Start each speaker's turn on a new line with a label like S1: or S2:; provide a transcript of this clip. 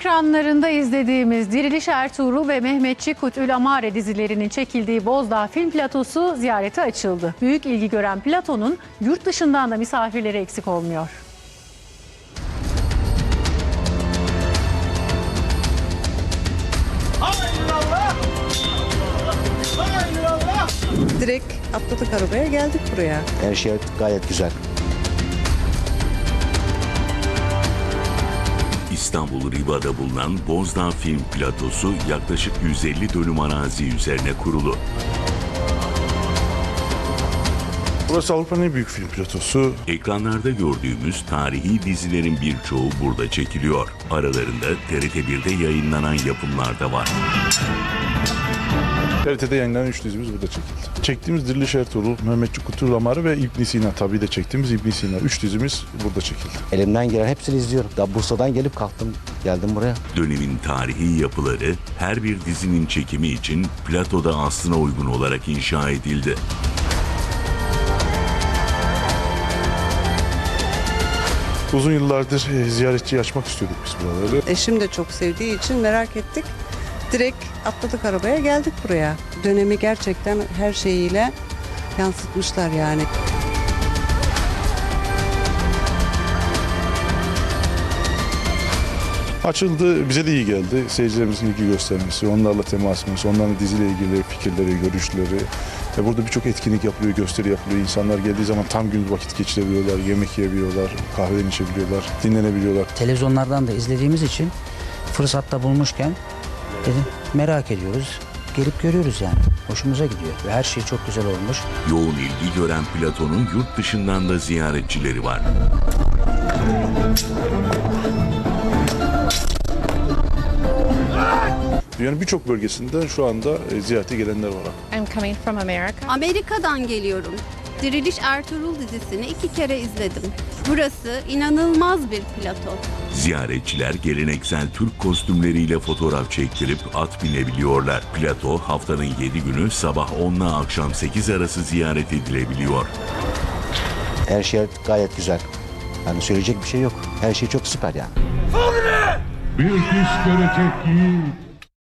S1: ekranlarında izlediğimiz Diriliş Ertuğrul ve Mehmetçik Kutül Amare dizilerinin çekildiği Bozdağ Film Platosu ziyarete açıldı. Büyük ilgi gören platonun yurt dışından da misafirleri eksik olmuyor.
S2: Direkt atladık arabaya, geldik buraya.
S3: Her şey gayet güzel.
S4: İstanbul Riva'da bulunan Bozdağ Film Platosu yaklaşık 150 dönüm arazi üzerine kurulu.
S5: Burası Avrupa'nın en büyük film platosu.
S4: Ekranlarda gördüğümüz tarihi dizilerin birçoğu burada çekiliyor. Aralarında TRT1'de yayınlanan yapımlar da var.
S5: TRT'de yayınlanan 3 dizimiz burada çekildi. Çektiğimiz Diriliş Ertuğrul, Mehmetçik Kutül Amare ve İbn Sina, tabii de çektiğimiz İbn Sina. 3 dizimiz burada çekildi.
S3: Elimden gelen hepsini izliyorum. Daha Bursa'dan gelip kalktım, geldim buraya.
S4: Dönemin tarihi yapıları her bir dizinin çekimi için platoda aslına uygun olarak inşa edildi.
S5: Uzun yıllardır ziyaretçi açmak istiyorduk biz buraları.
S2: Eşim de çok sevdiği için merak ettik. Direkt atladık arabaya, geldik buraya. Dönemi gerçekten her şeyiyle yansıtmışlar yani.
S5: Açıldı, bize de iyi geldi. Seyircilerimizin ilgi göstermesi, onlarla temasımız, onların diziyle ilgili fikirleri, görüşleri. Burada birçok etkinlik yapılıyor, gösteri yapılıyor. İnsanlar geldiği zaman tam gün vakit geçirebiliyorlar, yemek yiyebiliyorlar, kahveden içebiliyorlar, dinlenebiliyorlar.
S6: Televizyonlardan da izlediğimiz için fırsatta bulmuşken dedim merak ediyoruz. Gelip görüyoruz yani. Hoşumuza gidiyor ve her şey çok güzel olmuş.
S4: Yoğun ilgi gören platonun yurt dışından da ziyaretçileri var.
S5: Dünyanın birçok bölgesinden şu anda ziyarete gelenler var.
S7: I'm coming from America.
S8: Amerika'dan geliyorum. Diriliş Ertuğrul dizisini 2 kere izledim. Burası inanılmaz bir plato.
S4: Ziyaretçiler geleneksel Türk kostümleriyle fotoğraf çektirip at binebiliyorlar. Plato haftanın 7 günü sabah 10 ile akşam 8 arası ziyaret edilebiliyor.
S3: Her şey gayet güzel. Yani söyleyecek bir şey yok. Her şey çok süper yani.
S9: Bir iş görecek yiğit